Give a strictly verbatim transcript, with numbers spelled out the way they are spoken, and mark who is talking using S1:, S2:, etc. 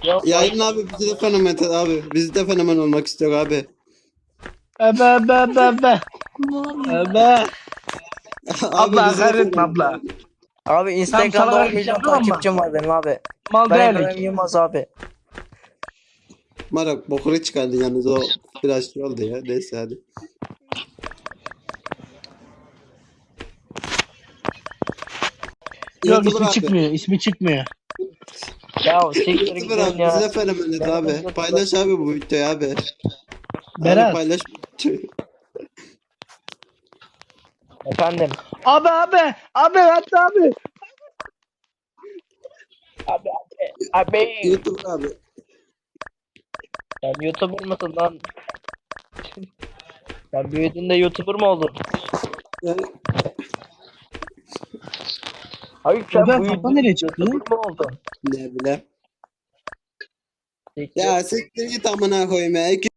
S1: Yok.
S2: Yayın abi bizi de fenomen et abi. Biz de fenomen olmak istiyor abi.
S3: Ebe ebe ebe ebe. Ebe.
S2: Abi
S3: Abla
S2: bizi de
S3: hakaret etme
S2: fenomen et
S3: abla.
S2: abi.
S1: Abi
S3: Tam
S1: Instagram'da
S3: salak
S1: on
S3: hareket
S1: milyon
S3: yaptım ama
S1: takipçim var benim abi.
S3: mal
S1: Ben
S3: değilik.
S1: Ekrem Yılmaz abi.
S2: Marak bokuru çıkardın yalnız o biraz şey oldu ya. Neyse hadi.
S3: Yok
S2: YouTuber
S3: ismi
S2: abi.
S3: çıkmıyor. İsmi çıkmıyor.
S1: Ya siktir
S2: YouTuber
S1: gidin
S2: abi bizi
S1: ya.
S2: de fenomen et
S1: Ben
S2: abi.
S1: YouTuber-
S2: Paylaş abi bu videoyu abi. Abi
S3: Berat.
S2: paylaş bu videoyu.
S1: Efendim.
S3: Abi abi. Abi hatta abi.
S1: Abi abi. Abi.
S2: YouTuber abi.
S1: Sen YouTuber mısın lan? Sen büyüdüğünde YouTuber mı oldun?
S2: Yani,
S1: Hayır sen
S3: Ebe kafa
S1: büyüdüğünde
S3: nereye çıktı?
S1: YouTuber mı oldun?
S2: ne bile.
S1: Siktir.
S2: Ya siktir git amına koyayım ya.